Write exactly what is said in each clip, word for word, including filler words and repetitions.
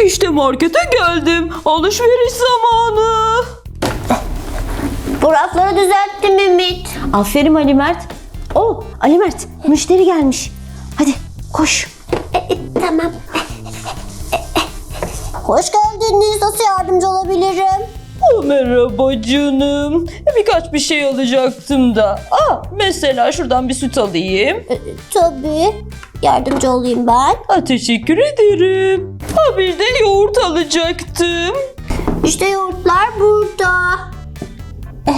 İşte markete geldim. Alışveriş zamanı. Bu rafları düzelttim Ümit. Aferin Ali Mert. Oh Ali Mert, müşteri gelmiş. Hadi koş. E, e, tamam. Hoş geldiniz. Nasıl yardımcı olabilirim? Oh, merhaba canım. Birkaç bir şey alacaktım da. Aa, mesela şuradan bir süt alayım. E, tabii. Yardımcı olayım ben. Ha, teşekkür ederim. Ha, bir de yoğurt alacaktım. İşte yoğurtlar burada. Eh.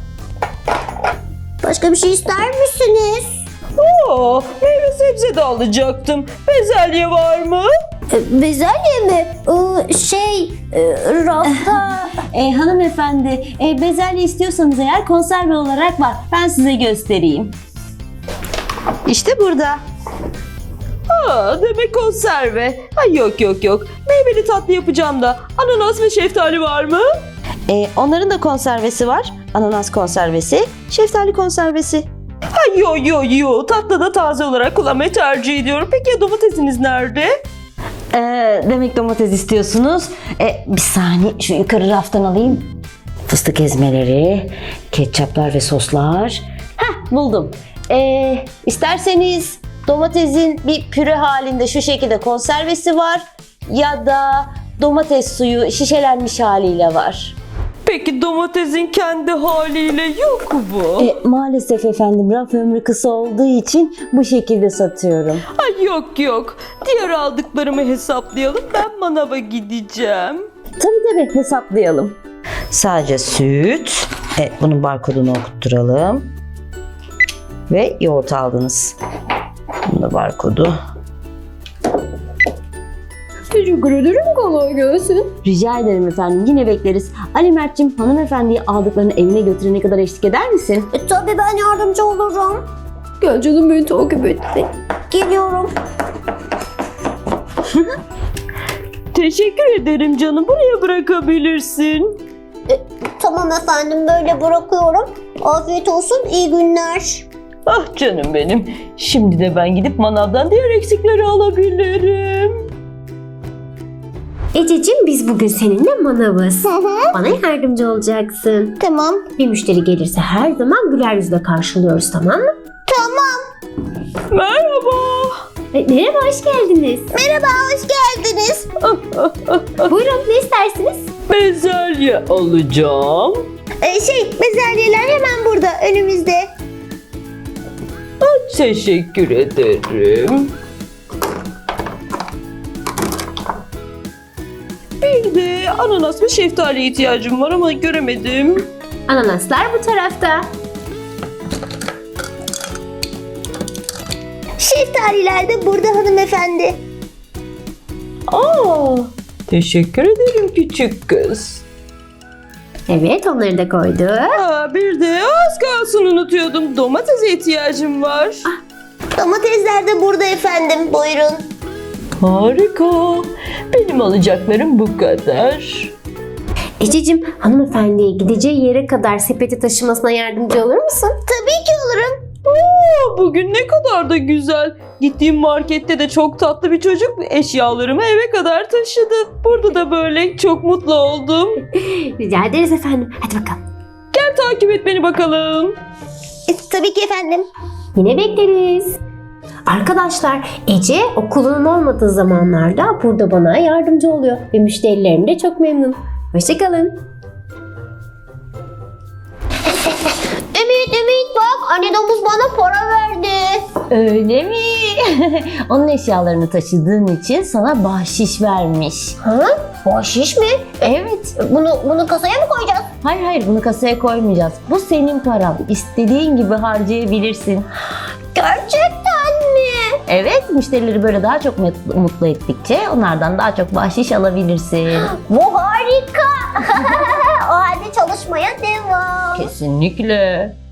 Başka bir şey ister misiniz? Aa, meyve sebze de alacaktım. Bezelye var mı? E, bezelye mi? E, şey, e, rafta... E, hanımefendi, e, bezelye istiyorsanız eğer konserve olarak var. Ben size göstereyim. İşte burada. Aa, demek konserve. Ay, yok yok yok. Meyveli tatlı yapacağım da. Ananas ve şeftali var mı? E, onların da konservesi var. Ananas konservesi, şeftali konservesi. Ay, yo yo yo. Tatlı da taze olarak kullanmayı tercih ediyorum. Peki ya domatesiniz nerede? E, demek domates istiyorsunuz. E, bir saniye şu yukarı raftan alayım. Fıstık ezmeleri, ketçaplar ve soslar. Heh, buldum. E, isterseniz domatesin bir püre halinde şu şekilde konservesi var. Ya da domates suyu şişelenmiş haliyle var. Peki domatesin kendi haliyle yok mu? E, maalesef efendim raf ömrü kısa olduğu için bu şekilde satıyorum. Ay, yok yok. Diğer aldıklarımı hesaplayalım. Ben manava gideceğim. Tabii tabii hesaplayalım. Sadece süt. E, bunun barkodunu okutturalım. Ve yoğurt aldınız. Bunun da barkodu. Teşekkür ederim. Kolay gelsin. Rica ederim efendim. Yine bekleriz. Ali Mert'cim hanımefendiyi aldıklarını evine götürene kadar eşlik eder misin? E, tabii ben yardımcı olurum. Gel canım beni takip et. Geliyorum. Teşekkür ederim canım. Buraya bırakabilirsin. E, tamam efendim böyle bırakıyorum. Afiyet olsun. İyi günler. Ah canım benim. Şimdi de ben gidip manavdan diğer eksikleri alabilirim. Ececiğim biz bugün seninle manavız. Bana yardımcı olacaksın. Tamam. Bir müşteri gelirse her zaman güler yüzle karşılıyoruz, tamam mı? Merhaba. E, merhaba, hoş geldiniz. Merhaba, hoş geldiniz. Buyurun, ne istersiniz? Bezelye alacağım. E, şey, bezelyeler hemen burada, önümüzde. Teşekkür ederim. Bir de ananas ve şeftaliye ihtiyacım var ama göremedim. Ananaslar bu tarafta. Şeftaliler de burada hanımefendi. Aa, teşekkür ederim küçük kız. Evet, onları da koyduk. Aa, bir de az kalsın unutuyordum. Domatese ihtiyacım var. Domatesler de burada efendim, buyurun. Harika. Benim alacaklarım bu kadar. Ececiğim, hanımefendiye gideceği yere kadar sepeti taşımasına yardımcı olur musun? Tabii ki olurum. Oo, bugün ne kadar da güzel. Gittiğim markette de çok tatlı bir çocuk eşyalarımı eve kadar taşıdı. Burada da böyle çok mutlu oldum. Rica ederiz efendim. Hadi bakalım. Gel takip et beni bakalım. E, tabii ki efendim. Yine bekleriz. Arkadaşlar, Ece okulunun olmadığı zamanlarda burada bana yardımcı oluyor ve müşterilerim de çok memnun. Hoşçakalın. Ümit, Ümit bak, anne domuz bana para verdi. Öyle mi? Onun eşyalarını taşıdığın için sana bahşiş vermiş. Ha? Bahşiş mi? Evet. Bunu, bunu kasaya mı koyacağız? Hayır hayır bunu kasaya koymayacağız. Bu senin paran. İstediğin gibi harcayabilirsin. Gerçekten mi? Evet, müşterileri böyle daha çok mutlu, mutlu ettikçe onlardan daha çok bahşiş alabilirsin. Bu harika. O halde çalışmaya devam. Kesinlikle.